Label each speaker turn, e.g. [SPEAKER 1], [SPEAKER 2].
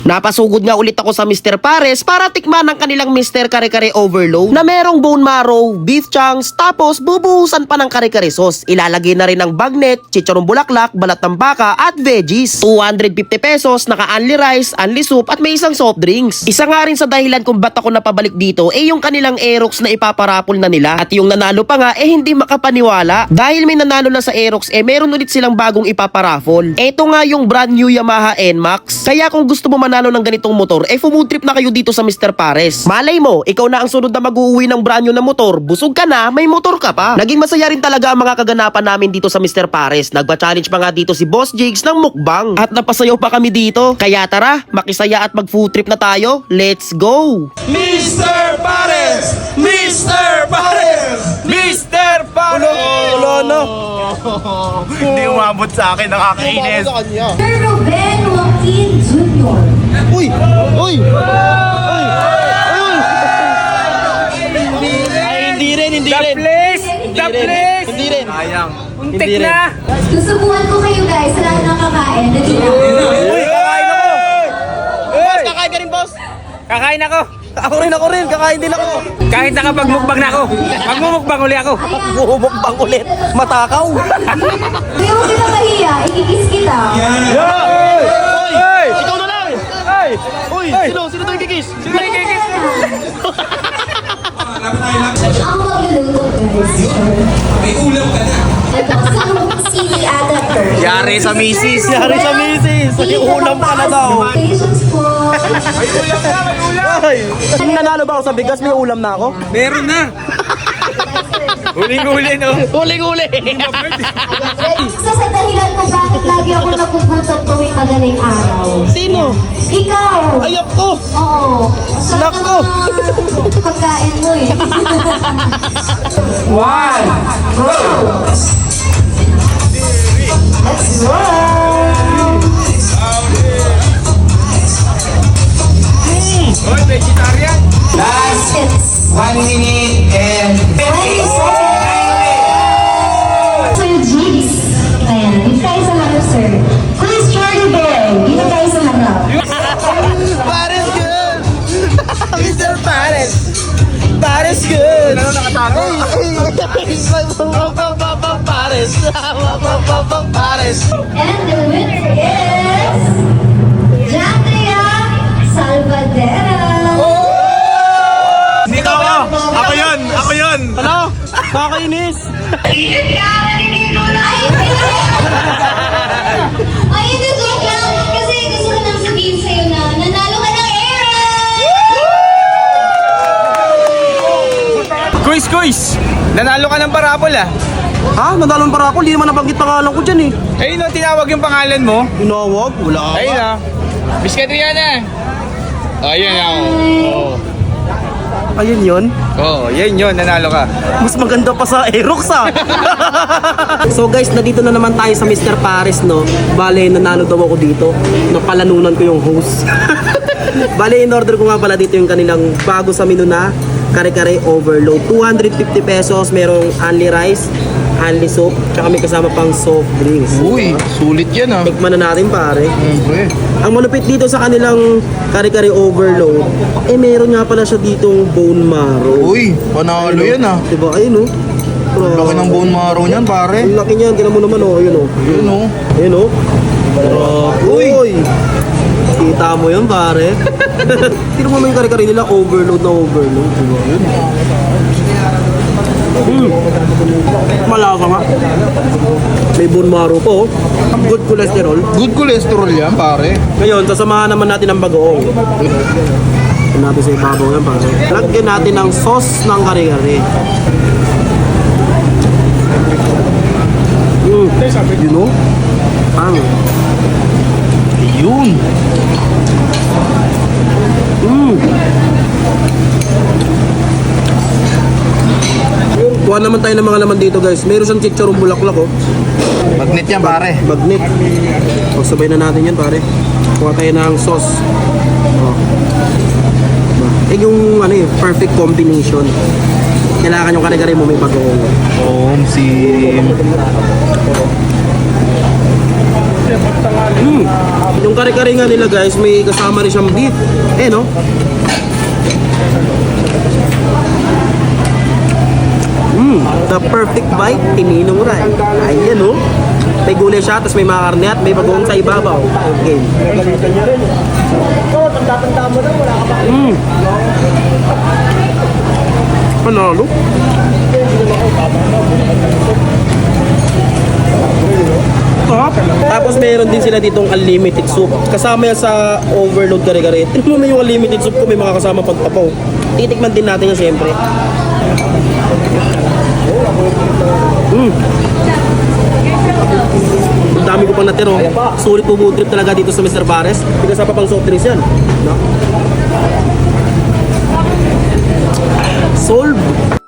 [SPEAKER 1] Napasugod nga ulit ako sa Mr. Pares para tikman ang kanilang Mr. Kare-Kare Overload na merong bone marrow, beef chunks, tapos bubuhusan pa ng kare-kare sauce. Ilalagay na rin ng bagnet, chicharong bulaklak, balat ng baka at veggies. 250 pesos, naka-only rice, only soup at may isang soft drinks. Isa nga rin sa dahilan kung ba't ako napabalik dito yung kanilang Aerox na ipaparapol na nila. At yung nanalo pa nga hindi makapaniwala. Dahil may nanalo na sa Aerox meron ulit silang bagong ipaparapol. Eto nga yung brand new Yamaha NMAX. Kaya kung gusto mo manalo ng ganitong motor, food trip na kayo dito sa Mr. Pares. Malay mo, ikaw na ang sunod na mag-uuwi ng brand new na motor. Busog ka na, may motor ka pa. Naging masaya rin talaga ang mga kaganapan namin dito sa Mr. Pares. Nagpa-challenge pa nga dito si Boss Jigs ng mukbang. At napasayaw pa kami dito. Kaya tara, makisaya at mag-food trip na tayo. Let's go!
[SPEAKER 2] Mr. Pares! Mr. Pares! Mr. Pares!
[SPEAKER 1] Wala na.
[SPEAKER 2] Hindi umabot sa akin, nakakainis.
[SPEAKER 3] Sir Ruben Joaquin Jr.
[SPEAKER 1] Uy! Uy! Uy! Hindi rin.
[SPEAKER 2] The place!
[SPEAKER 1] Hindi rin.
[SPEAKER 2] Sayang.
[SPEAKER 1] Untik na.
[SPEAKER 3] Susubukan ko kayo guys sa lahat ng kakain. Dali lang.
[SPEAKER 2] Uy, kakain ako!
[SPEAKER 1] Boss, kakain ka rin, boss.
[SPEAKER 2] Kakain ako!
[SPEAKER 1] Ako rin. Kakain din ako.
[SPEAKER 2] Kahit nakapagmukbang na ako, magmumukbang uli ako.
[SPEAKER 1] Bumukbang ulit. Matakaw.
[SPEAKER 3] Kaya huwag kita mahiya. Ikikis kita.
[SPEAKER 2] Hey!
[SPEAKER 1] Ikaw na lang.
[SPEAKER 2] Hey!
[SPEAKER 1] Uy, sino to yung kikis?
[SPEAKER 2] Sino yung kikis?
[SPEAKER 3] Ang magluluto guys.
[SPEAKER 4] May ulam ka na.
[SPEAKER 3] Ito si Adapter.
[SPEAKER 2] Yari sa misis.
[SPEAKER 1] Yari sa misis. May ulam ka na daw.
[SPEAKER 3] Patience po.
[SPEAKER 2] May ulam na, may ulam!
[SPEAKER 1] Ay, nanalo ba ako sa bigas? May ulam na ako?
[SPEAKER 2] Meron na! Huling-huli, no?
[SPEAKER 1] Huling-huli.
[SPEAKER 3] Isa sa dahilan kung bakit lagi ako nagugutom tuwing madaling araw.
[SPEAKER 1] Sino?
[SPEAKER 3] Ikaw!
[SPEAKER 1] Ayak ko.
[SPEAKER 3] Oo. Sarap
[SPEAKER 1] Nako.
[SPEAKER 3] ng mga pagkain mo eh.
[SPEAKER 2] One!
[SPEAKER 3] Let's roll!
[SPEAKER 2] Hoy, vegetarian!
[SPEAKER 4] Last
[SPEAKER 3] It's
[SPEAKER 4] 1 minute and 50
[SPEAKER 3] Sir Jigs. Ayan, dito tayo sa harap, sir. Please, Charlie Boy. Dito tayo sa harap.
[SPEAKER 1] Pares good. Mr. Pares. Pares good.
[SPEAKER 2] Ano nakatago?
[SPEAKER 1] Pares. Pares.
[SPEAKER 3] And the winner is... Jandria Salvadera.
[SPEAKER 2] Hindi ko ako! Ako yun! Ako yun!
[SPEAKER 1] Ano? Nakakainis.
[SPEAKER 3] Ay, hindi, joke lang. Kasi gusto ko nang sabihin sa'yo na nanalo ka ng Aaron!
[SPEAKER 2] Kuis! Nanalo ka ng parapol ah!
[SPEAKER 1] Ha? Nadalong para ako. Hindi naman nabanggit pangalan ko dyan eh.
[SPEAKER 2] Ayun no, tinawag yung pangalan mo.
[SPEAKER 1] Tinawag? Wala ka.
[SPEAKER 2] Ayun na. Biscuit Rihanna. Ayun na.
[SPEAKER 1] Ayun yun.
[SPEAKER 2] Oo, yan yun. Nanalo ka.
[SPEAKER 1] Mas maganda pa sa Aerox ah. So guys, nandito na naman tayo sa Mr. Pares, no? Bale, nanalo daw ako dito. Napalanunan ko yung host. Bale, in order ko nga pala dito yung kanilang bago sa menu na kare-kare overload. 250 pesos, merong only rice, only soup, tsaka may kasama pang soft drinks.
[SPEAKER 2] Uy, sulit yan ah.
[SPEAKER 1] Tikman na natin pare.
[SPEAKER 2] Okay.
[SPEAKER 1] Ang malupit dito sa kanilang kare-kare overload, meron nga pala siya ditong bone marrow.
[SPEAKER 5] Uy, panalo yan ah.
[SPEAKER 1] Diba? Ayun, oh.
[SPEAKER 5] Laki ng bone marrow niyan, pare.
[SPEAKER 1] Ang laki niyan, tinan mo naman, oh. Ayun, oh.
[SPEAKER 5] Yun oh.
[SPEAKER 1] Ayun, oh. Uy! Kita mo yun, pare. Tino mo yung kare-kare nila, overload na overload. Diba? Yun. Malasa nga. May bone marrow po, oh. Good cholesterol.
[SPEAKER 5] Good cholesterol yan, pare.
[SPEAKER 1] Ngayon, sasamahan naman natin ang bagoong. Lagyan natin sa ibabaw yan, pare. Lagyan natin ng sauce ng kare-kare. Yun, oh. Pang.
[SPEAKER 5] Yun.
[SPEAKER 1] Kuha naman tayo ng mga laman dito, guys. Meron siyang chicharong bulaklak, oh.
[SPEAKER 5] Magnet yan, pare.
[SPEAKER 1] Magnet. Pagsabay na natin yan, pare. Kuha tayo ng sauce. Oh. Yung ano, perfect combination. Kailangan yung kare-kare mo may bagoong.
[SPEAKER 5] Om sim.
[SPEAKER 1] Yung kare-kare nga nila guys, may kasama rin siyang beef. No? The perfect bite, tininong ray. Ayan, no? May gulay siya, tapos may mga karne at may bagoong sa ibabaw. Okay. Panalo. Tapos meron din sila ditong unlimited soup. Kasama yan sa overload kare-kare. Tignan mo yung unlimited soup ko, may mga kasama pagpapaw. Titikman din natin yan syempre. Ang dami ko pang natiro. Sulit po food trip talaga dito sa Mr. Pares. Pinasapa pang soft drinks yan. No? Solve.